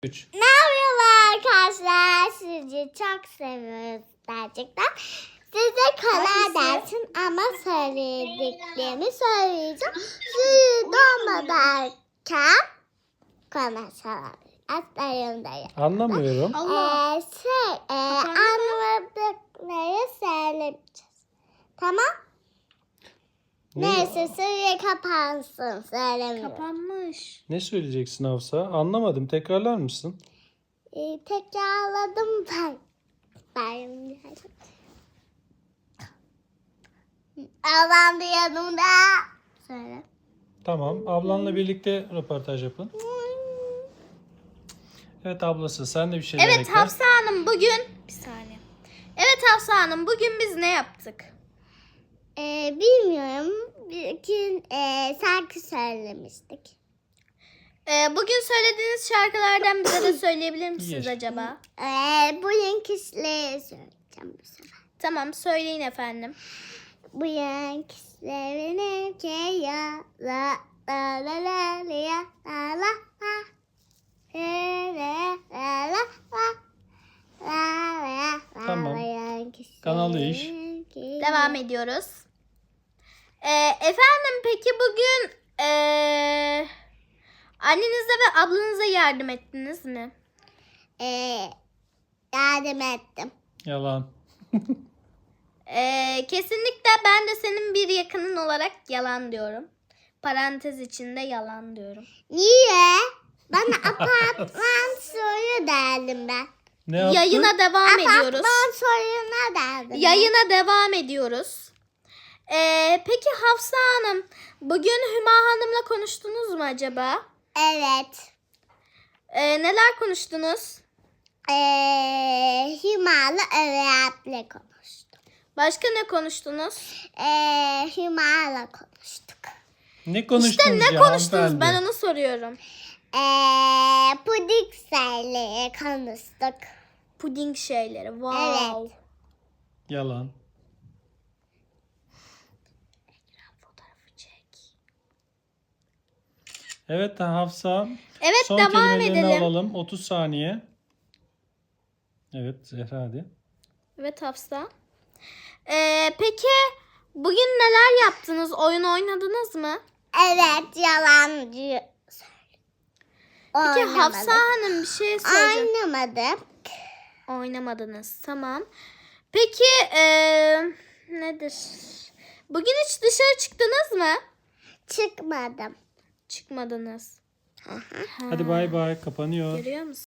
3. Merhaba arkadaşlar. Sizi çok seviyoruz gerçekten. Size karar dersin ama söylediklerimi söyleyeceğim. Suyu dolmadarken konuşalım. Aslayımdayım. Anlamıyorum. Anlamadıkları söylemeyeceğiz. Tamam? Neyse suyu kapansın. Söylemiyorum. Kapanmış. Ne söyleyeceksin Hafsa? Anlamadım. Tekrarlar mısın? Tekrarladım ben. Ablam da yanımda. Söyle. Tamam. Ablanla birlikte röportaj yapın. Evet ablası sen de bir şeyler Evet ekle. Hafsa Hanım bugün... Bir saniye. Evet Hafsa Hanım bugün biz ne yaptık? Bilmiyorum. Bir gün şarkı söylemiştik. Bugün söylediğiniz şarkılardan bize de söyleyebilir misiniz Yes. acaba? Bugün kişileri söyleyeceğim bu sefer. Tamam söyleyin efendim. Bugün kişilerin ya la la la la la la la Tamam. Kanal değiş. Devam ediyoruz. Efendim peki bugün annenize ve ablanıza yardım ettiniz mi? Yardım ettim. Yalan. Kesinlikle ben de senin bir yakının olarak yalan diyorum. Parantez içinde yalan diyorum. Niye? Bana apartman soyu derdim ben. Ne yaptın? Yayına devam ediyoruz. Apartman soyuna derdim. Yayına devam ediyoruz. Peki Hafsa Hanım, bugün Hüma Hanım'la konuştunuz mu acaba? Evet. Neler konuştunuz? Himalı öğretmenle konuştuk. Başka ne konuştunuz? Himalı konuştuk. Ne konuştunuz İşte ne ya konuştunuz? hanımefendi? Ben onu soruyorum. Pudik şeyleri konuştuk. Puding şeyleri. Wow. Evet. Yalan. Fotoğrafı çek. Evet Hafsa. Evet Son devam kelimelerini edelim. alalım. 30 saniye. Evet Zehra hadi. Evet Hafsa. Peki bugün neler yaptınız? Oyun oynadınız mı? Evet yalancı. Peki Hafsa Hanım bir şey soracağım. Oynamadım. Oynamadınız. Tamam. Peki nedir? Bugün hiç dışarı çıktınız mı? Çıkmadım. Çıkmadınız. Hadi bay bay kapanıyor. Görüyor musun?